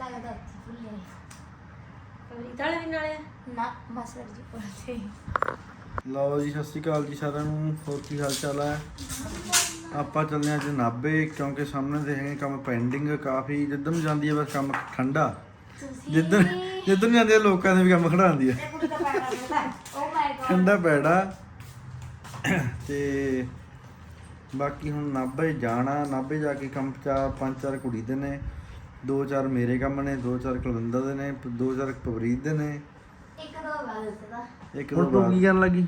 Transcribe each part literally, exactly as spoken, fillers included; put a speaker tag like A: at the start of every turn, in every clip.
A: ਲੱਗਦਾ ਉੱਥੇ ਭੁੱਲੇ
B: ਪਵਰੀਤ ਵਾਲੇ ਵੀ ਨਾਲੇ
A: ਨਾ ਮਾਸੜ ਜੀ ਕੋਲ
C: ਲਓ ਜੀ, ਸਤਿ ਸ਼੍ਰੀ ਅਕਾਲ ਜੀ ਸਾਰਿਆਂ ਨੂੰ। ਹੋਰ ਕੀ ਹਾਲ ਚਾਲ ਹੈ? ਆਪਾਂ ਚੱਲਦੇ ਹਾਂ ਅੱਜ ਨਾਭੇ, ਕਿਉਂਕਿ ਸਾਹਮਣੇ ਦੇਖੇ ਕੰਮ ਪੈਂਡਿੰਗ ਕਾਫੀ। ਜਿੱਧਰ ਨੂੰ ਜਾਂਦੀ ਹੈ ਬਸ ਕੰਮ ਠੰਡਾ, ਜਿੱਧਰ ਜਿੱਧਰ ਨੂੰ ਜਾਂਦੇ ਲੋਕਾਂ ਦੇ ਵੀ ਕੰਮ ਖੜਾਉਂਦੀ ਹੈ ਠੰਡਾ ਪੈੜਾ। ਤੇ ਬਾਕੀ ਹੁਣ ਨਾਭੇ ਜਾਣਾ, ਨਾਭੇ ਜਾ ਕੇ ਕੰਮ ਚਾਰ ਪੰਜ ਚਾਰ ਕੁੜੀ ਦੇ ਨੇ, ਦੋ ਚਾਰ ਮੇਰੇ ਕੰਮ ਨੇ, ਦੋ ਚਾਰ ਕੁਲਵਿੰਦਰ ਦੇ ਨੇ, ਦੋ ਚਾਰ ਪਵਰੀਤ ਦੇ ਨੇ,
A: ਇੱਕ ਦੋ ਬਾਅਦ ਦਾ
C: ਇੱਕ ਦੋ ਬਾਅਦ। ਕੀ ਕਰਨ ਲੱਗੀ?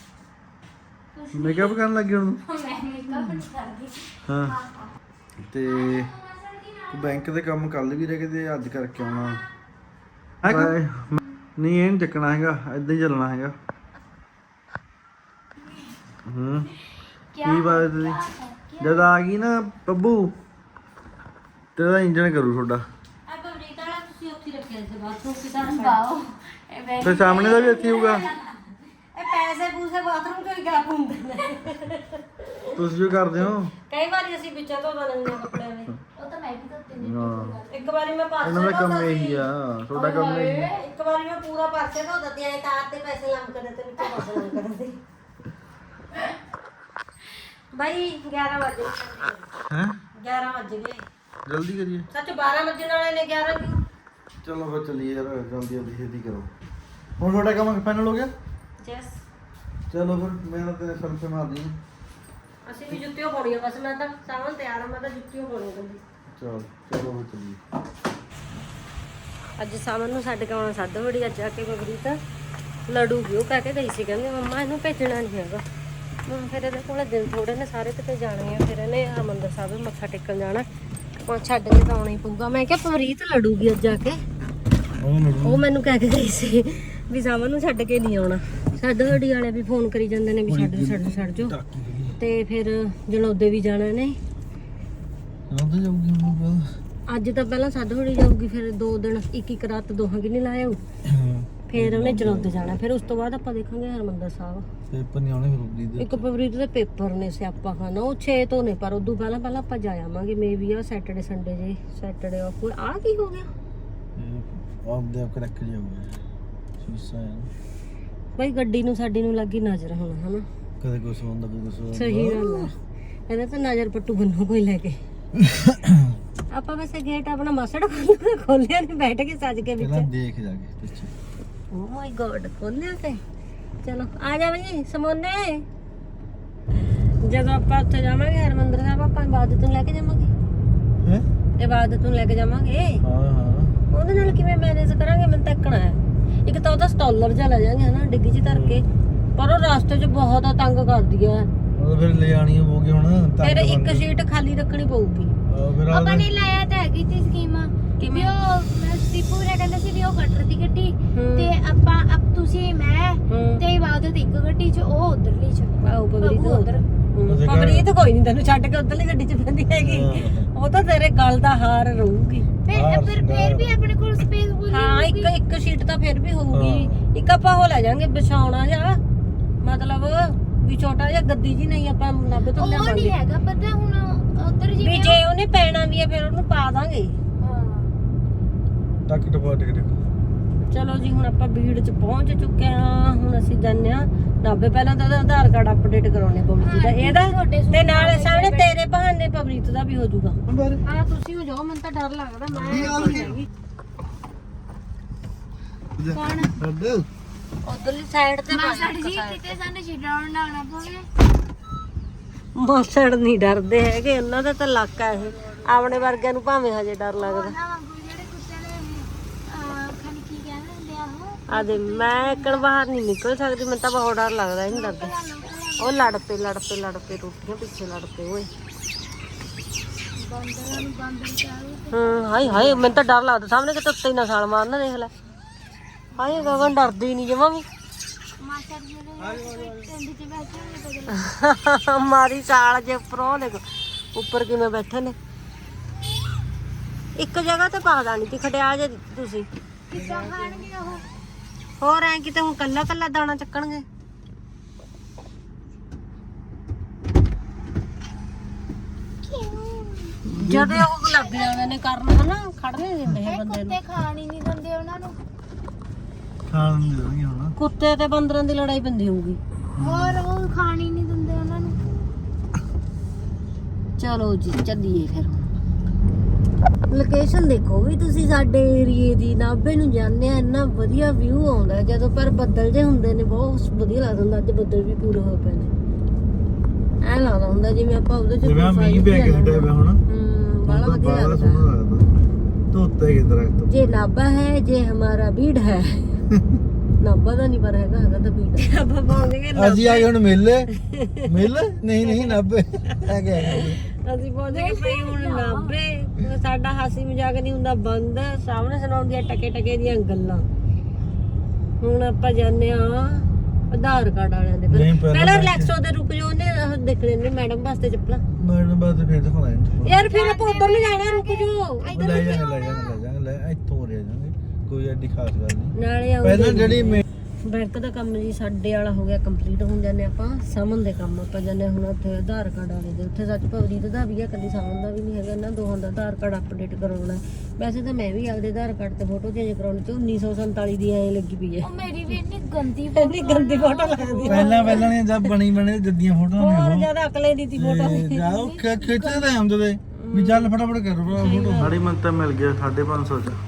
C: ਮੇਕਅਪ ਕਰਨ ਲੱਗੀ ਹੁਣ?
A: ਮੈਂ ਮੇਕਅਪ ਨਹੀਂ ਕਰਦੀ।
C: ਹਾਂ, ਤੇ ਬੈਂਕ ਦੇ ਕੰਮ ਕੱਲ ਵੀ ਰਹਿ ਗਏ ਤੇ ਅੱਜ ਕਰਕੇ ਆਉਣਾ ਹੈ। ਨਹੀਂ ਇਹ ਨਹੀਂ ਚੱਕਣਾ ਹੈਗਾ, ਏਦਾਂ ਹੀ ਚੱਲਣਾ ਹੈਗਾ। ਹੂੰ ਕੀ ਬਾਤ ਹੈ? ਜਦ ਆ ਗਈ ਨਾ ਬੱਬੂ ਤੇਰਾ ਇੰਜਣ ਕਰੂ ਤੁਹਾਡਾ।
B: ਆ ਪਵਰੀਤ ਵਾਲਾ ਤੁਸੀਂ ਉੱਥੇ ਰੱਖਿਆ ਸੀ ਬਾਥਰੂਮ ਕਿਦਾਂ
A: ਬਾਓ ਇਹ ਬੈਠ
C: ਤੇ ਸਾਹਮਣੇ ਦਾ ਵੀ ਇੱਥੇ ਹੋਊਗਾ।
B: ਇਹ ਪੈਸੇ ਪੂਸੇ ਬਾਥਰੂਮ ਚੋਂ ਹੀ ਗਾ ਹੁੰਦੇ ਨੇ।
C: ਤੁਸੀਂ ਜੋ ਕਰਦੇ ਹੋ?
B: ਕਈ ਵਾਰੀ ਅਸੀਂ ਵਿੱਚੋਂ ਧੋ ਲੈਂਦੇ ਹਾਂ ਕੱਪੜਿਆਂ ਦੇ।
A: ਉਹ ਤਾਂ ਮੈਂ ਵੀ ਧੋਤੇ ਨੇ।
C: ਹਾਂ,
B: ਇੱਕ ਵਾਰੀ ਮੈਂ ਪਾਸੇ
C: ਇਹਨਾਂ ਦਾ ਕੰਮ
B: ਧੋਤਾ
C: ਇਹੀ
B: ਸੀ।
C: ਆ, ਤੁਹਾਡਾ ਕੰਮ ਇਹੀ ਆ।
B: ਇੱਕ ਵਾਰੀ ਮੈਂ ਪੂਰਾ ਪਾਸੇ ਧੋ ਦਿੱਤੀ ਐ, ਤਾਰ ਤੇ ਪੈਸੇ ਲੰਮਕਦੇ ਤੇ ਵਿੱਚੋਂ ਪੈਸੇ ਲੰਮਕਦੇ। ਬਾਈ ਗਿਆਰਾਂ ਵਜੇ
C: ਹੈ
B: ਗਿਆਰਾਂ ਵਜ ਗਏ।
C: ਜਲਦੀ ਕਰੀਏ।
B: ਸੱਚ ਬਾਰਾਂ ਵਜੇ ਵਾਲੇ ਨੇ ਗਿਆਰਾਂ ਕਿਉਂ?
C: ਚਲੋ ਫਿਰ ਚੱਲੀਏ ਯਾਰ, ਜਲਦੀ ਜਲਦੀ ਛੇਤੀ ਕਰੋ। ਹੁਣ ਤੁਹਾਡਾ ਕੰਮ ਫਾਈਨਲ ਹੋ ਗਿਆ?
B: ਯੈਸ।
C: ਚਲੋ ਫਿਰ ਮੈਂ ਤਾਂ ਸਰਫੇ ਮਾਰਦੀ ਹਾਂ।
B: ਅਸੀਂ ਵੀ ਜੁੱਤੀਆਂ ਪਾਉਣੀਆਂ, ਬਸ ਮੈਂ ਤਾਂ ਸਾਵਣ ਤਿਆਰ ਆ, ਮੈਂ ਤਾਂ ਜੁੱਤੀਆਂ ਪਾਉਣੀਆਂ ਕੱਲੀ।
C: ਚਲ ਚਲੋ ਫਿਰ ਚੱਲੀਏ।
B: ਅੱਜ ਸਾਵਣ ਨੂੰ ਛੱਡ ਕੇ ਆਉਣਾ ਸੱਦ ਬੜੀ। ਅੱਜ ਆ ਕੇ ਪਵਰੀਤ ਲੜੂਗੀ, ਉਹ ਕਹਿ ਕੇ ਗਈ ਸੀ, ਕਹਿੰਦੀ ਮੰਮਾ ਇਹਨੂੰ ਭੇਜਣਾ ਨਹੀਂ ਹੈਗਾ। ਹੁਣ ਫਿਰ ਇਹਦੇ ਕੋਲ ਦਿਨ ਥੋੜੇ ਨੇ, ਸਾਰੇ ਕਿਤੇ ਜਾਣੇ ਆ। ਫਿਰ ਇਹਨੇ ਹਰਿਮੰਦਰ ਸਾਹਿਬ ਮੱਥਾ ਟੇਕਣ ਜਾਣਾ, ਹੁਣ ਛੱਡ ਕੇ ਤਾਂ ਆਉਣਾ ਹੀ ਪਊਗਾ। ਮੈਂ ਕਿਹਾ ਪਵਰੀਤ ਲੜੂਗੀ ਅੱਜ ਆ ਕੇ। ਉਹ ਮੈਨੂੰ ਕਹਿ ਕੇ ਗਈ ਸੀ ਵੀ ਸਾਵਣ ਨੂੰ ਛੱਡ ਕੇ ਨਹੀਂ ਆਉਣਾ। ਛੱਡ ਹੱਡੀ ਵਾਲੇ ਵੀ ਫੋਨ ਕਰੀ ਜਾਂਦੇ ਨੇ ਵੀ ਛੱਡ ਛੱਡ ਛੱਡ ਜਾਓ। ਤੇ ਫਿਰ ਜਣੌਦੇ ਵੀ ਜਾਣਾ ਨੇ। ਅੱਜ ਤਾਂ ਪਹਿਲਾਂ ਸੱਦ ਹੋੜੀ ਜਾਊਗੀ, ਫਿਰ ਦੋ ਦਿਨ ਇੱਕ ਇੱਕ ਰਾਤ ਦੋਹਾਂ ਕਿ ਨਹੀਂ ਲਾਇਆ ਹੋਊ। ਫਿਰ ਉਹਨੇ ਜਣੌਦੇ ਜਾਣਾ, ਫਿਰ ਉਸ ਤੋਂ ਬਾਅਦ ਆਪਾਂ ਦੇਖਾਂਗੇ ਹਰਿਮੰਦਰ ਸਾਹਿਬ।
C: ਪੇਪਰ ਨਹੀਂ ਆਉਣੇ ਫਿਰ।
B: ਇੱਕ ਪਵਰੀਤ ਦੇ ਪੇਪਰ ਨੇ, ਸਿਆਪਾ ਖਾਨਾ। ਉਹ ਛੇ ਤੋਂ ਨੇ, ਪਰ ਉਦੋਂ ਪਹਿਲਾਂ ਪਹਿਲਾਂ ਆਪਾਂ ਜਾ ਆਵਾਂਗੇ। ਮੇ ਵੀ ਆ ਸੈਟਰਡੇ ਸੰਡੇ ਜੇ, ਸੈਟਰਡੇ ਆਫ। ਆ ਕੀ ਹੋ ਗਿਆ?
C: ਆਪਦੇ ਆਪ ਕਰੈਕ ਜਾਊਗਾ ਸ਼ੀਸ਼ਾ ਹੈ।
B: ਬਈ ਗੱਡੀ ਨੂੰ ਸਾਡੀ ਨੂੰ ਲੱਗੀ ਨਜ਼ਰ ਹੁਣ, ਹਨਾ?
C: ਕਦੇ ਕੁਛ ਹੁੰਦਾ, ਕਦੇ ਕੁਛ ਹੁੰਦਾ।
B: ਸਹੀ ਗੱਲ ਆ। ਇਹਦਾ ਤਾਂ ਨਜ਼ਰ ਪੱਟੂ ਬੰਨੋ ਕੋਈ ਲੈ ਕੇ। ਆਪਾਂ ਵੈਸੇ ਗੇਟ ਆਪਣਾ ਮਸੜ ਖੋਲਿਆ ਨਹੀਂ, ਬੈਠ ਕੇ ਸੱਜ ਕੇ ਵਿੱਚ।
C: ਪਹਿਲਾਂ ਦੇਖ ਜਾ ਕੇ ਪਿੱਛੇ।
B: ਓ ਮਾਈ ਗॉड, ਖੋਲਿਆ ਤੇ। ਚਲੋ ਆ ਜਾ ਬਈ ਸਮੋਨੇ। ਜਦੋਂ ਆਪਾਂ ਉੱਥੇ ਜਾਵਾਂਗੇ ਹਰਿਮੰਦਰ ਸਾਹਿਬ, ਆਪਾਂ ਇਬਾਦਤ ਨੂੰ ਲੈ ਕੇ ਜਾਵਾਂਗੇ।
C: ਹੈ
B: ਇਬਾਦਤ ਨੂੰ ਲੈ ਕੇ ਜਾਵਾਂਗੇ।
C: ਹਾਂ ਹਾਂ,
B: ਉਹਦੇ ਨਾਲ ਕਿਵੇਂ ਮੈਨੇਜ ਕਰਾਂਗੇ? ਮੈਨੂੰ ਤਾਂ ਇੱਕਣਾ ਹੈ। ਇੱਕ ਤਾਂ ਉਹਦਾ ਸਟਾਲਰ ਜਿਹਾ ਲੈ ਜਾਾਂਗੇ ਹਨਾ, ਡਿੱਗੀ ਚ ਧਰ ਕੇ। ਪਰ ਉਹ ਰਸਤੇ 'ਚ ਬਹੁਤ ਤੰਗ ਕਰਦੀ ਆ।
C: ਉਹ ਫਿਰ ਲੈ ਆਣੀ ਹੋਊਗੀ ਹੁਣ।
B: ਫਿਰ ਇੱਕ ਸੀਟ ਖਾਲੀ ਰੱਖਣੀ ਪਊਗੀ।
C: ਫਿਰ
A: ਆਪਾਂ ਨੇ ਲਾਇਆ ਤਾਂ ਹੈਗੀ ਤੀ ਸਕੀਮ
B: ਕਿਵੇਂ?
A: ਵੀ ਉਹ ਸਤੀਪੁਰ ਕਹਿੰਦਾ ਸੀ ਵੀ ਉਹ ਕੱਟਰ ਦੀ ਗੱਡੀ ਤੇ ਆਪਾਂ ਅਬ ਤੁਸੀਂ ਮੈਂ ਤੇ ਇਬਾਦਤ ਇੱਕ ਗੱਡੀ 'ਚ, ਉਹ ਉਧਰਲੀ 'ਚ।
B: ਆਓ ਪਵਰੀਤ
A: ਉਧਰ।
B: ਪਵਰੀਤ ਕੋਈ ਨਹੀਂ ਤੈਨੂੰ ਛੱਡ ਕੇ ਉਧਰਲੀ ਗੱਡੀ 'ਚ ਪੈਂਦੀ ਹੈਗੀ। ਉਹ ਤਾਂ ਤੇਰੇ ਗਲ ਦਾ ਹਾਰ ਰਹੂਗੀ।
A: ਫਿਰ ਫਿਰ ਫਿਰ ਵੀ ਆਪਣੇ ਕੋਲ ਸਪੇਸ ਪੂਰੀ
B: ਹਾਂ, ਇੱਕ ਇੱਕ ਸੀਟ ਤਾਂ ਫਿਰ ਵੀ ਹੋਊਗੀ। ਇੱਕ ਆਪਾਂ ਉਹ ਲੈ ਜਾਾਂਗੇ ਵਿਛਾਉਣਾ ਜਾਂ, ਮਤਲਬ ਵੀ ਛੋਟਾ ਜਿਹਾ ਗੱਦੀ ਜੀ ਨਹੀਂ ਆਪਾਂ ਨਾਭੇ ਤੋਂ
A: ਉਹ ਨਹੀਂ
B: ਲਿਆਵਾਂਗੇ।
A: ਹੈਗਾ ਪਤਾ ਹੁਣ ਉਧਰ
B: ਵੀ
A: ਜਿਵੇਂ
B: ਜੇ ਉਹਨੇ ਪੈਣਾ ਵੀ ਹੈ ਫਿਰ ਉਹਨੂੰ ਪਾ ਦਾਂਗੇ।
A: ਹਾਂ।
C: ਟੱਕ ਟਪਾ ਟਿਕ ਟਿਕ।
B: ਚਲੋ ਜੀ, ਹੁਣ ਆਪਾਂ ਭੀੜ 'ਚ ਪਹੁੰਚ ਚੁੱਕੇ ਹਾਂ। ਹੁਣ ਅਸੀਂ ਜਾਂਦੇ ਹਾਂ ਨਾਭੇ। ਪਹਿਲਾਂ ਤਾਂ ਉਹਦਾ ਆਧਾਰ ਕਾਰਡ ਅਪਡੇਟ ਕਰਾਉਣੇ ਪਵਰੀਤ ਦਾ, ਇਹਦਾ ਤੇ ਨਾਲ ਸਾਹਮਣੇ ਤੇਰੇ ਬਹਾਨੇ ਪਵਰੀਤ ਦਾ ਵੀ ਹੋ ਜਾਊਗਾ। ਹਾਂ ਤੁਸੀਂ ਹੋ ਜਾਓ, ਮੈਨੂੰ ਤਾਂ ਡਰ ਲੱਗਦਾ। ਮੈਂ ਨਹੀਂ ਹੈਗੀ।
A: ਕੌਣ?
B: ਉਧਰਲੀ ਸਾਈਡ ਤੇ
A: ਮਾਸੜ ਜੀ ਕਿਤੇ ਸਾਨੂੰ ਛਡਾਉਣ ਨਾ ਆਉਣਾ ਪਵੇ।
B: ਮਾਸੜ ਨਹੀਂ ਡਰਦੇ ਹੈਗੇ, ਉਹਨਾਂ ਦਾ ਤਾਂ ਇਲਾਕਾ ਇਹ। ਆਪਣੇ ਵਰਗਿਆਂ ਨੂੰ ਭਾਵੇਂ ਹਜੇ ਡਰ ਲੱਗਦਾ।
A: ਉਹਨਾਂ ਵਾਂਗੂ ਜਿਹੜੇ ਕੁੱਤੇ ਨੇ ਅਹ ਖਾਲੀ ਕੀ ਕਹਿੰਦੇ ਹੁੰਦੇ ਆ ਉਹ
B: ਆ ਦੇ ਮੈਂ ਇੱਕਣ ਬਾਹਰ ਨਹੀਂ ਨਿਕਲ ਸਕਦੀ, ਮੈਨੂੰ ਤਾਂ ਬਹੁਤ ਡਰ ਲੱਗਦਾ। ਇਹ ਨਹੀਂ ਡਰਦੇ। ਉਹ ਲੜ ਪਏ ਲੜ ਪਏ ਲੜ ਪਏ ਰੋਟੀਆਂ ਪਿੱਛੇ ਲੜ ਪਏ ਓਏ।
A: ਬੰਦਰਾਂ ਨੂੰ ਬੰਦਰ ਚਾਹੇ
B: ਹੂੰ, ਹਾਏ ਹਾਏ ਮੈਨੂੰ ਤਾਂ ਡਰ ਲੱਗਦਾ। ਸਾਹਮਣੇ ਕਿਤੇ ਉੱਤੇ ਹੀ ਨਾ ਛਾਲ ਮਾਰਨਾ, ਦੇਖ ਲੈ। ਹਾਏ ਗਗਨ ਡਰਦੀ ਨਹੀਂ ਜਮਾਂ ਵੀ।
A: ਮਾਸੜ ਜੀ ਦੇ ਟੈਂਡੀ 'ਚ ਬੈਠੇ ਨੇ ਬਦਲ
B: ਮਾਰੀ ਛਾਲ ਜੇ ਉੱਪਰੋਂ ਦੇਖ ਉੱਪਰ ਕਿਵੇਂ ਬੈਠੇ ਨੇ। ਇੱਕ ਜਗ੍ਹਾ ਤੇ ਪਾ ਦਾਣੀ ਤੀ ਖਟਿਆ ਜੇ ਤੁਸੀਂ।
A: ਕਿੱਦਾਂ ਖਾਣਗੇ ਉਹ?
B: ਹੋਰ ਐ ਕਿਤੇ ਹੁਣ ਕੱਲਾ ਕੱਲਾ ਦਾਣਾ ਚੱਕਣਗੇ। ਜਦੋਂ ਉਹ ਲੱਗ ਜਾਂਦੇ ਨੇ ਕਰਨ ਹਨਾ ਖੜ ਨਹੀਂ ਦਿੰਦੇ ਇਹ ਬੰਦੇ ਨੂੰ
A: ਕੁੱਤੇ ਖਾਣ ਹੀ ਨਹੀਂ ਦਿੰਦੇ ਉਹਨਾਂ ਨੂੰ
C: ਖਾਣ ਨਹੀਂ ਦੇਣਗੇ ਹੁਣ
B: ਕੁੱਤੇ ਤੇ ਬੰਦਰਾਂ ਦੀ ਲੜਾਈ ਪੈਂਦੀ ਹੋਊਗੀ
A: ਹੋਰ ਉਹ ਖਾਣ ਹੀ ਨਹੀਂ ਦਿੰਦੇ ਉਹਨਾਂ ਨੂੰ
B: ਚਲੋ ਜੀ ਚੱਲੀਏ ਫਿਰ ਲੋਕੇਸ਼ਨ ਦੇਖੋ ਵੀ ਤੁਸੀਂ ਸਾਡੇ ਏਰੀਏ ਦੀ ਨਾਭੇ ਨੂੰ ਜਾਂਦੇ ਆ ਇੰਨਾ ਵਧੀਆ ਵਿਊ ਆਉਂਦਾ ਜਦੋਂ ਪਰ ਬੱਦਲ ਜੇ ਹੁੰਦੇ ਨੇ ਬਹੁਤ ਵਧੀਆ ਲੱਗਦਾ ਹੁੰਦਾ ਅੱਜ ਬੱਦਲ ਵੀ ਪੂਰੇ ਹੋਏ ਪਏ ਨੇ ਐ ਲੱਗਦਾ ਹੁੰਦਾ ਜਿਵੇਂ ਆਪਾਂ ਉਹਦੇ ਚ
C: ਜਿਵੇਂ ਮੀਂਹ ਪੈ ਕੇ ਹਟਿਆ ਪਿਆ ਹੁਣ
B: ਹੂੰ ਬੜਾ ਵਧੀਆ
C: ਬੜਾ
B: ਲੱਗਦਾ
C: ਸੋਹਣਾ ਲੱਗਦਾ ਧੋਤੇ ਕੇ ਦਰਖਤ
B: ਜੇ ਨਾਭਾ ਹੈ ਜੇ ਹਮਾਰਾ ਬੀੜ ਹੈ ਨਾਭਾ ਦਾ ਨਹੀਂ ਪਰ ਹੈਗਾ ਹੈਗਾ ਤਾਂ ਬੀੜ ਆਪਾਂ ਪਹੁੰਚ ਗਏ
C: ਅਸੀਂ ਆ ਗਏ ਹੁਣ ਮੇਲੇ ਮੇਲੇ ਨਹੀਂ ਨਹੀਂ ਨਾਭੇ ਆ ਗਏ
B: ਅਸੀਂ ਪਹੁੰਚ ਗਏ ਭਈ ਹੁਣ ਨਾਭੇ ਸਾਡਾ ਹਾਸੀ ਮਜ਼ਾਕ ਨਹੀਂ ਹੁੰਦਾ ਬੰਦ ਸਾਹਮਣੇ ਸੁਣਾਉਂਦੀਆਂ ਟਕੇ ਟਕੇ ਦੀਆਂ ਗੱਲਾਂ ਹੁਣ ਆਪਾਂ ਜਾਂਦੇ ਆ ਆਧਾਰ ਕਾਰਡ ਵਾਲਿਆਂ ਦੇ
C: ਨਹੀਂ, ਪਹਿਲਾਂ
B: ਪਹਿਲਾਂ
C: ਬੈਠੇ।
B: ਰਿਲੈਕਸੋ ਦੇ ਰੁਕ ਜਾਓ ਨੇ ਉਹ ਦੇਖਣੇ ਨੇ ਮੈਡਮ ਵਾਸਤੇ ਚੱਪਲਾਂ
C: ਮੈਡਮ ਬਾਅਦ ਫੇਰ ਦਿਖਾਉਣਾ ਇਹਨੂੰ
B: ਯਾਰ ਫਿਰ ਆਪਾਂ ਉਧਰ ਨੂੰ ਜਾਣਾ ਰੁਕ ਜਾਓ
C: ਲੈ ਜਾਾਂਗੇ ਲੈ ਜਾਾਂਗੇ ਲੈ ਜਾਾਂਗੇ ਲੈ ਇੱਥੋਂ ਰਹਿ ਜਾਾਂਗੇ ਕੋਈ ਐਡੀ ਖਾਸ ਗੱਲ ਨਹੀਂ
B: ਨਾਲੇ ਆਉਂਦੇ
C: ਪਹਿਲਾਂ ਜਿਹੜੀ ਮੇ-
B: ਬੈਂਕ ਦਾ ਕੰਮ ਜੀ ਸਾਡੇ ਵਾਲਾ ਹੋ ਗਿਆ ਕੰਪਲੀਟ ਹੁਣ ਜਾਂਦੇ ਆਪਾਂ ਸਾਮਨ ਦੇ ਕੰਮ ਆਪਾਂ ਜਾਂਦੇ ਹੁਣ ਉੱਥੇ ਆਧਾਰ ਕਾਰਡ ਵਾਲੇ ਦੇ ਉੱਥੇ ਸੱਚ ਭਵਰੀਤ ਦਾ ਵੀ ਹੈ ਕੱਲੀ ਸਾਮਨ ਦਾ ਵੀ ਨਹੀਂ ਹੈਗਾ ਇਹਨਾਂ ਦੋਹਾਂ ਦਾ ਆਧਾਰ ਕਾਰਡ ਅਪਡੇਟ ਕਰਾਉਣਾ ਵੈਸੇ ਤਾਂ ਮੈਂ ਵੀ ਆਪਦੇ ਆਧਾਰ ਕਾਰਡ ਤੇ ਫੋਟੋ ਚੇਂਜ ਕਰਾਉਣੀ ਤੇ ਉੱਨੀ ਸੌ ਸੰਤਾਲੀ ਦੀ ਐ ਲੱਗੀ ਪਈ ਹੈ
A: ਉਹ ਮੇਰੀ ਵੀ ਇੰਨੀ ਗੰਦੀ
B: ਇੰਨੀ ਗੰਦੀ ਫੋਟੋ ਲੱਗਦੀ ਹੈ
C: ਪਹਿਲਾਂ ਪਹਿਲਾਂ ਨੇ ਜਦ ਬਣੀ ਬਣੇ ਜੱਦੀਆਂ ਫੋਟੋਆਂ
B: ਹੋਰ
C: ਨੇ
B: ਜ਼ਿਆਦਾ ਅਕਲੇ ਦੀ ਤੀ ਫੋਟੋ
C: ਉਹ ਜਾਓ ਖਿੱਚਦੇ ਹੁੰਦੇ ਤੇ ਵੀ ਚੱਲ ਫਟਾਫਟ ਕਰ ਫੋਟੋ ਸਾਡੀ ਮੰਤਾ ਮਿਲ ਗਿਆ ਸਾਢੇ ਪੰਜ ਸੌ ਚ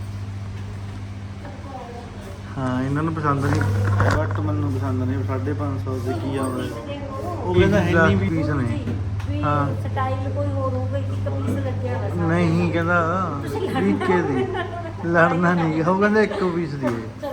C: ਹਾਂ ਇਹਨਾਂ ਨੂੰ ਪਸੰਦ ਨਹੀਂ ਬਟ ਮੈਨੂੰ ਪਸੰਦ ਨਹੀਂ ਸਾਢੇ ਪੰਜ ਸੌ ਦੇ ਕੀ ਆਉਂਦਾ ਉਹ ਕਹਿੰਦਾ ਹੈ ਨਹੀਂ ਪੀਸ ਨੇ ਹਾਂ
B: ਸਟਾਈਲ ਕੋਈ ਹੋਰ ਹੋਊਗਾ ਇੱਕ ਪੀਸ ਲੱਗਿਆ ਹੋਇਆ
C: ਨਹੀਂ ਕਹਿੰਦਾ ਵੀਕੇ ਦੀ ਲੜਨਾ ਨਹੀਂ ਉਹ ਕਹਿੰਦਾ ਇੱਕੋ ਪੀਸ ਦੀ ਹੈ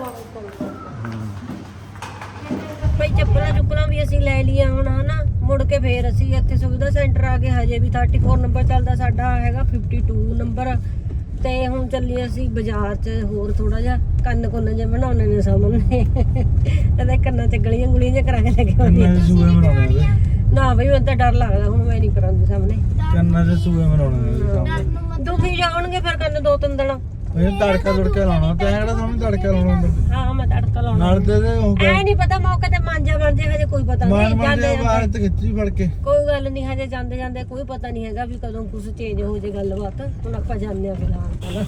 B: ਭਾਈ ਚੱਪਲਾਂ ਚੁੱਪਲਾਂ ਵੀ ਅਸੀਂ ਲੈ ਲਈਆਂ ਹੁਣ ਹਨਾ ਮੁੜ ਕੇ ਫੇਰ ਅਸੀਂ ਇੱਥੇ ਸੁਵਿਧਾ ਸੈਂਟਰ ਆ ਗਏ ਹਜੇ ਵੀ ਚੌਂਤੀ ਨੰਬਰ ਚੱਲਦਾ ਸਾਡਾ ਹੈਗਾ ਬਾਵਨ ਨੰਬਰ ਤੇ ਹੁਣ ਚੱਲੀ ਅਸੀਂ ਬਾਜ਼ਾਰ 'ਚ ਹੋਰ ਥੋੜਾ ਜਿਹਾ ਕੰਨ ਕੁੰਨ ਜੇ ਬਣਾਉਣੇ ਨੇ ਸਾਹਮਣੇ ਇਹਦੇ ਕੰਨਾਂ 'ਚ ਗਲੀਆਂ ਗੁਲੀਆਂ ਜਿਹਾ ਕਰਾ ਕੇ ਲੈ ਕੇ ਆਉਂਦੀ
C: ਕੰਨਾਂ 'ਚ ਸੂਏ ਬਣਾਉਣੇ ਨੇ
B: ਨਾ ਬਈ ਮੈਨੂੰ ਤਾਂ ਡਰ ਲੱਗਦਾ ਹੁਣ ਮੈਂ ਨਹੀਂ ਕਰਾਂਗੀ ਸਾਹਮਣੇ
C: ਕੰਨਾਂ 'ਚ ਸੂਏ ਬਣਾਉਣੇ ਨੇ
B: ਦੁਖੀ ਜਾਣਗੇ ਫਿਰ ਕੰਨ ਦੋ ਤਿੰਨ ਦਿਨ
C: ਇਹ ਤੜਕਾ ਤੁੜਕਾ ਲਾਉਣਾ ਤੇ ਕਿਹੜਾ ਸਾਹਮਣੇ ਤੜਕਾ ਲਾਉਣਾ ਹੁੰਦਾ
B: ਹਾਂ ਮੈਂ ਤੜਕਾ ਲਾਉਣਾ
C: ਨਾਲ ਤੇ ਇਹਦੇ ਉਹ
B: ਐ ਨਹੀਂ ਪਤਾ ਮੌਕੇ ਤੇ ਮਾਂਜਾ ਬਣ ਜੇ ਹਜੇ ਕੋਈ ਪਤਾ
C: ਮਾਰ
B: ਨਹੀਂ
C: ਮਾਰ
B: ਜਾਂਦੇ
C: ਦੇ
B: ਜਾਂਦੇ
C: ਬਾਹਰ ਤੇ ਖਿੱਚੀ ਫੜ ਕੇ
B: ਕੋਈ ਗੱਲ ਨਹੀਂ ਹਜੇ ਜਾਂਦੇ ਜਾਂਦੇ ਕੋਈ ਪਤਾ ਨਹੀਂ ਹੈਗਾ ਵੀ ਕਦੋਂ ਕੁਝ ਚੇਂਜ ਹੋ ਜੇ ਗੱਲਬਾਤ ਹੁਣ ਆਪਾਂ ਜਾਂਦੇ ਆ ਫਿਲਹਾਲ ਤਾਂ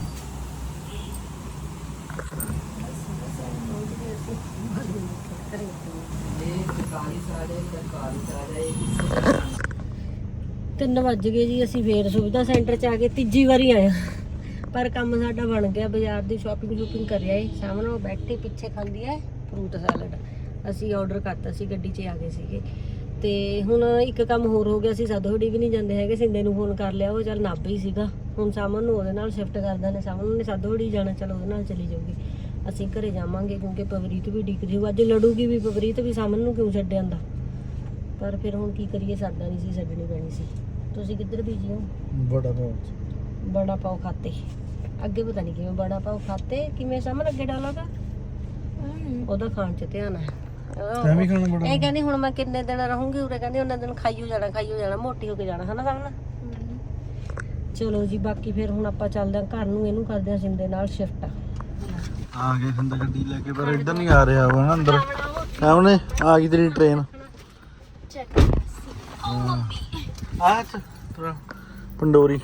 B: ਤਿੰਨ ਵੱਜ ਗਏ ਜੀ ਅਸੀਂ ਫੇਰ ਸੁਵਿਧਾ ਸੈਂਟਰ ਚ ਆ ਕੇ ਤੀਜੀ ਵਾਰੀ ਆਏ ਪਰ ਕੰਮ ਸਾਡਾ ਬਣ ਗਿਆ ਬਾਜ਼ਾਰ ਦੀ ਸ਼ਾਪਿੰਗ ਸ਼ੂਪਿੰਗ ਕਰਿਆ ਏ ਸਾਹਮਣੇ ਉਹ ਬੈਠੀ ਪਿੱਛੇ ਖਾਂਦੀ ਹੈ ਫਰੂਟ ਸੈਲਡ ਅਸੀਂ ਆਰਡਰ ਕਰਤਾ ਸੀ ਗੱਡੀ 'ਚ ਆ ਗਏ ਸੀਗੇ ਤੇ ਹੁਣ ਇੱਕ ਕੰਮ ਹੋਰ ਹੋ ਗਿਆ ਸੀ ਸਾਦੋੜੀ ਵੀ ਨਹੀਂ ਜਾਂਦੇ ਹੈਗੇ ਸਿੰਦੇ ਨੂੰ ਫੋਨ ਕਰ ਲਿਆ ਉਹ ਚੱਲ ਨਾਭੇ ਹੀ ਸੀਗਾ ਹੁਣ ਸਾਮਨ ਨੂੰ ਉਹਦੇ ਨਾਲ ਸ਼ਿਫਟ ਕਰ ਦਿੰਦੇ ਸਾਮਨ ਨੇ ਸਾਦੋੜੀ ਜਾਣਾ ਚਲੋ ਉਹਦੇ ਨਾਲ ਚਲੀ ਜਾਊਗੀ ਅਸੀਂ ਘਰੇ ਜਾਵਾਂਗੇ ਕਿਉਂਕਿ ਪਵਰੀਤ ਵੀ ਡਿੱਗ ਜੂ ਅੱਜ ਲੜੂਗੀ ਵੀ ਪਵਰੀਤ ਵੀ ਸਾਮਨ ਨੂੰ ਕਿਉਂ ਛੱਡ ਆਂਦਾ ਪਰ ਫਿਰ ਹੁਣ ਕੀ ਕਰੀਏ ਸਰਦਾ ਨਹੀਂ ਸੀ ਛੱਡਣੀ ਪੈਣੀ ਸੀ ਤੁਸੀਂ ਕਿੱਧਰ ਬੀਜੀ ਹੋ
C: ਬੜਾ ਪਾਉ
B: ਬੜਾ ਪਾਓ ਖਾਤੇ ਅੱਗੇ ਪਤਾ ਨਹੀਂ ਕਿਵੇਂ ਬੜਾ ਪਾਓ ਖਾਤੇ ਕਿਵੇਂ ਸਾਹਮਣੇ ਅੱਗੇ ਡਾਲਾਗਾ ਉਹਦਾ ਖਾਣ 'ਚ ਧਿਆਨ ਹੈ
C: ਤੈਂ ਵੀ ਖਾਣਾ ਬੜਾ
B: ਇਹ ਕਹਿੰਦੀ ਹੁਣ ਮੈਂ ਕਿੰਨੇ ਦਿਨ ਰਹੂੰਗੀ ਉਰੇ ਕਹਿੰਦੀ ਉਹਨਾਂ ਦਿਨ ਖਾਈਓ ਜਾਣਾ ਖਾਈਓ ਜਾਣਾ ਮੋਟੀ ਹੋ ਕੇ ਜਾਣਾ ਹਨਾ ਸਾਹਮਣੇ ਚਲੋ ਜੀ ਬਾਕੀ ਫਿਰ ਹੁਣ ਆਪਾਂ ਚੱਲਦੇ ਹਾਂ ਘਰ ਨੂੰ ਇਹਨੂੰ ਕਰਦੇ ਹਾਂ ਸਿੰਦੇ ਨਾਲ ਸ਼ਿਫਟ
C: ਆ ਗਏ ਸਿੰਦਾ ਗੱਡੀ ਲੈ ਕੇ ਪਰ ਇੱਧਰ ਨਹੀਂ ਆ ਰਿਹਾ ਉਹ ਨਾ ਅੰਦਰ ਸਾਹਮਣੇ ਆ ਗਈ ਤੇਰੀ ਟ੍ਰੇਨ
A: ਚੈੱਕ ਓ ਮੰਮੀ
C: ਆ ਤੇਰਾ ਪੰਡੋਰੀ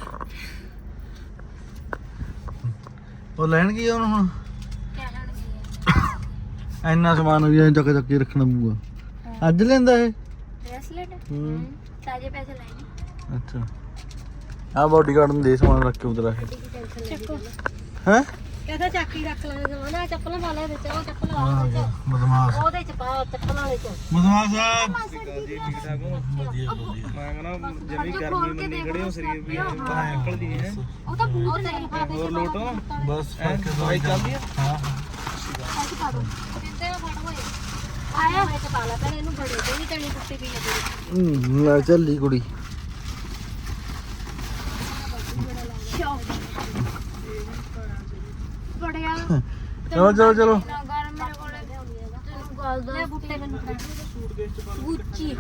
C: ਉਹ ਲੈਣ ਗਈ ਉਹਨੂੰ ਹੁਣ
A: ਕਹਿਣ ਗਈ
C: ਇੰਨਾ ਸਮਾਨ ਵੀ ਚੱਕ ਚੱਕ ਕੇ ਰੱਖਣਾ ਪਊਗਾ ਅੱਜ ਲੈਂਦਾ ਇਹ
A: ਬ੍ਰੈਸਲੇਟ
C: ਹੂੰ
A: ਤਾਜੇ ਪੈਸੇ ਲਾਏ
C: ਅੱਛਾ ਆ ਬਾਡੀਗਾਰਡ ਨੂੰ ਦੇ ਸਮਾਨ ਰੱਖ ਕੇ ਉਧਰ ਆ
A: ਚੱਕੋ
C: ਹੈ
B: ਕਹਿੰਦਾ ਚਾਕੀ ਰੱਖ ਲੈ ਜਮਾਨਾ ਚੱਪਲਾਂ ਪਾ ਲੈ ਇਹਦੇ ਚ ਉਹ ਚੱਪਲ
C: ਆ ਗਿਆ ਬਦਮਾਸ਼
B: ਉਹਦੇ ਚ ਪਾ ਚੱਪਲਾਂ ਵਾਲੇ ਚ
C: ਬਦਮਾਸ਼ ਸਾਹਿਬ
D: ਜੀ ਠੀਕ ਠਾਕ ਹੋ
C: ਵਧੀਆ ਵਧੀਆ
D: ਮੈਂ ਕਹਿੰਦਾ ਜਮੀ ਗਰਮੀ ਨੂੰ ਨਿਕੜੇ ਹੋ ਸਰੀਰ ਵੀ ਬਾਹਰ ਨਿਕਲਦੀ ਹੈ
A: ਉਹ ਤਾਂ ਬਹੁਤ ਨਹੀਂ ਪਾ
D: ਹੋਰ ਲੋਟੋ
C: ਬਸ ਫੜ ਕੇ
D: ਦਵਾਈ ਚੱਲਦੀ ਹੈ
C: ਹਾਂ
A: ਪੈਸੇ ਪਾ ਦੋ ਕਿੰਨੇ ਦਾ ਫੜ ਹੋਏ ਆਇਆ ਮੈਂ ਤੇ ਪਾ ਲਾ ਪਹਿਲੇ ਇਹਨੂੰ ਬੜੇ ਦੇ ਨਹੀਂ ਤਣੀ ਟੁੱਟੀ ਪਈ ਹੈ ਤੇਰੀ
C: ਹੂੰ ਲੈ ਚੱਲੀ ਕੁੜੀ
A: ਬੜਿਆ
C: ਚਲੋ ਚਲੋ ਚਲੋ
A: ਗਰ ਮੇਰੇ ਕੋਲੇ ਤੈਨੂੰ ਗੱਲ ਦਾ ਲੈ ਬੁੱਟੇ ਮੈਨੂੰ ਗੁੱਚੀ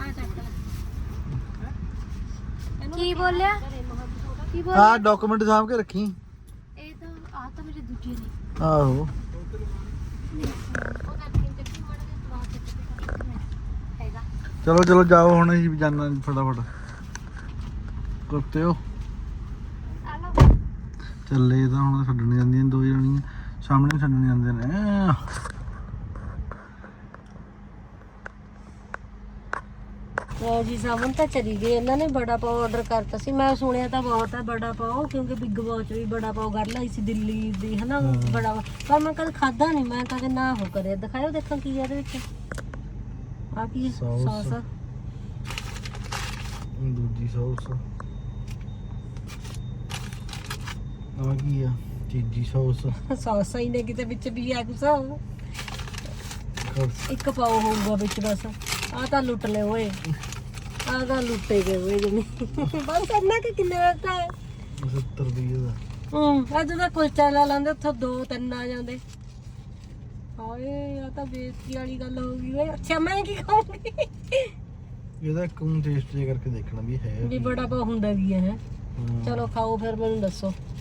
A: ਕੀ ਬੋਲਿਆ ਕੀ ਬੋਲਿਆ
C: ਆ ਡਾਕੂਮੈਂਟ ਸਾਂਭ ਕੇ ਰੱਖੀ
A: ਇਹ ਤਾਂ ਆ ਤਾਂ ਮੇਰੇ ਦੂਜੇ ਨੇ
C: ਆਹੋ
A: ਹੈਗਾ
C: ਚਲੋ ਚਲੋ ਜਾਓ ਹੁਣ ਅਸੀਂ ਵੀ ਜਾਣਾ ਫਟਾਫਟ ਕੁੱਤੇ ਹੋ ਚੱਲੇ ਤਾਂ ਹੁਣ ਛੱਡਣ ਜਾਂਦੀਆਂ ਦੋ ਜਣੀਆਂ ਸਾਹਮਣੇ ਛੱਡਣ ਜਾਂਦੇ ਨੇ।
B: ਲਓ ਜੀ ਸਾਵਨ ਤਾਂ ਚਲੀ ਗਈ। ਇਹਨਾਂ ਨੇ ਬੜਾ ਪਾਓ ਆਰਡਰ ਕਰਤਾ ਸੀ। ਮੈਂ ਸੁਣਿਆ ਤਾਂ ਬਹੁਤ ਹੈ ਬੜਾ ਪਾਓ, ਕਿਉਂਕਿ ਬਿੱਗ ਬੌਸ ਵੀ ਬੜਾ ਪਾਓ ਗੱਲ ਆਈ ਸੀ ਦਿੱਲੀ ਦੀ ਹਨਾ ਬੜਾ, ਪਰ ਮੈਂ ਕਦੇ ਖਾਦਾ ਨਹੀਂ। ਮੈਂ ਕਦੇ ਨਾ ਹੋ ਕਰਿਆ। ਦਿਖਾਇਓ ਦੇਖਾਂ ਕੀ ਹੈ ਇਹਦੇ ਵਿੱਚ। ਆ ਕੀ
C: Sauce।
B: ਸੌਸ ਆ।
C: ਦੂਜੀ ਸੌਸ ਆ ਕੀ ਆ? ਤੀਜੀ ਸੌਸ।
B: ਸੌਸਾਂ ਹੀ ਨੇ ਕਿਤੇ ਵਿੱਚ ਵੀ ਆ ਕੁਛ। ਇੱਕ ਪਾਓ ਹੋਊਗਾ ਵਿੱਚ ਬਸ। ਆ ਤਾਂ ਲੁੱਟ ਲੈ ਓਏ, ਆ ਤਾਂ ਲੁੱਟੇ ਗਏ ਓਏ ਜਮੀ। ਬਸ ਇੰਨਾ ਕਿ ਕਿੰਨੇ ਦਾ ਤਾਂ ਹੈ?
C: ਸੱਤਰ ਰੁਪਏ ਦਾ।
B: ਹੂੰ ਅੱਜ ਦਾ ਕੁਲਚਾ ਲਾ ਲੈਂਦੇ ਉੱਥੋਂ ਦੋ ਤਿੰਨ ਆ ਜਾਂਦੇ। ਹਾਏ ਆ ਤਾਂ ਬੇਇੱਜ਼ਤੀ ਵਾਲੀ ਗੱਲ ਹੋ ਗਈ ਓਏ। ਅੱਛਾ ਮੈਂ ਕੀ ਖਾਊਂਗੀ?
C: ਇਹਦਾ ਇੱਕ ਨੂੰ ਟੇਸਟ ਜੇ ਕਰਕੇ ਦੇਖਣਾ ਵੀ ਹੈ
B: ਵੀ ਬੜਾ ਪਾਓ ਹੁੰਦਾ ਵੀ ਹੈ। ਚਲੋ ਖਾਓ ਫਿਰ ਮੈਨੂੰ ਦੱਸੋ।